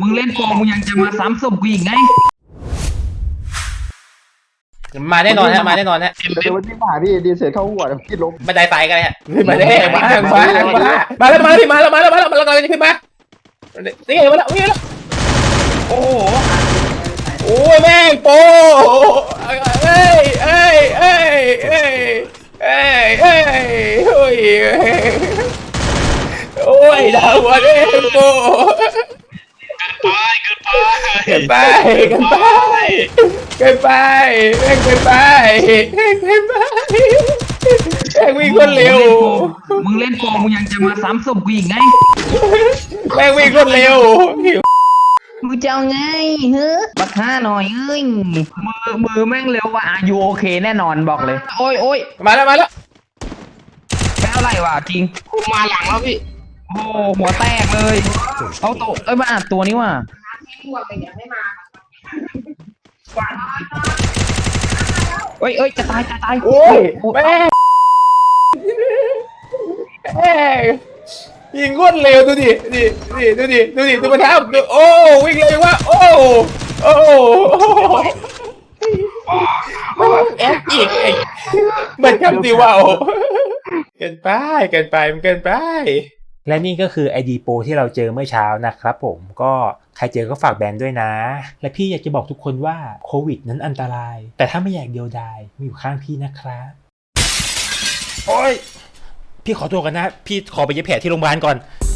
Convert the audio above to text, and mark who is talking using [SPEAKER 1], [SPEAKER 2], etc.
[SPEAKER 1] งเล่นโกงมึงยังจะมาซ้ำศพกูอีกไง
[SPEAKER 2] มาแน่นอนฮะมาแน่นอนฮะ
[SPEAKER 3] เดี๋ยววันนี้มาพี่ดีเสร็จเข้าหัวพี่ล้ม
[SPEAKER 2] บันไดไฟกันเลยฮะมาแน่มาแล้วมาแล้วพี่มาแล้วเรากำลังจะขึ้นมานี่ไงมาแล้วนี่แล้วโอ้โหโอ้ยแม่งโปเอ้ยโอ้ยดาววันเอ้ยโปเกินไปแม่งเกินไปแม่งวิ่งคนเร็ว
[SPEAKER 1] มึงเล่นโกงมึงยังจะมาซ้ำศพกูอีกไง
[SPEAKER 2] แม่งวิ่งคนเร็ว
[SPEAKER 1] มึงจะเอาไงเฮ้ยบักห้าหน่อยเอ้ยมือแม่งเร็วว่ะอยู่โอเคแน่นอนบอกเลยโอ้ย
[SPEAKER 2] มาแล้ว
[SPEAKER 1] แค่อะไรวะจริงกูมาหลังแล้วพี่โอ้หัวแตกเลยเอาตัวมาอัดตัวนี้ว่ะเอ้ยจะตาย
[SPEAKER 2] โอ้ยแม่ยิงคนเร็วดูดิดูมันทำโอ้วิ่งเร็วว่าโอ้แอคอีกมันคำดีว่าเกินไปมันเกินไปและนี่ก็คือ ID Pro ที่เราเจอเมื่อเช้านะครับผมก็ใครเจอก็ฝากแบนด้วยนะและพี่อยากจะบอกทุกคนว่าโควิดนั้นอันตรายแต่ถ้าไม่อยากเดียวดายมีอยู่ข้างพี่นะครับโอ้ยพี่ขอตัวกันนะพี่ขอไปเย็บแผลที่โรงพยาบาลก่อน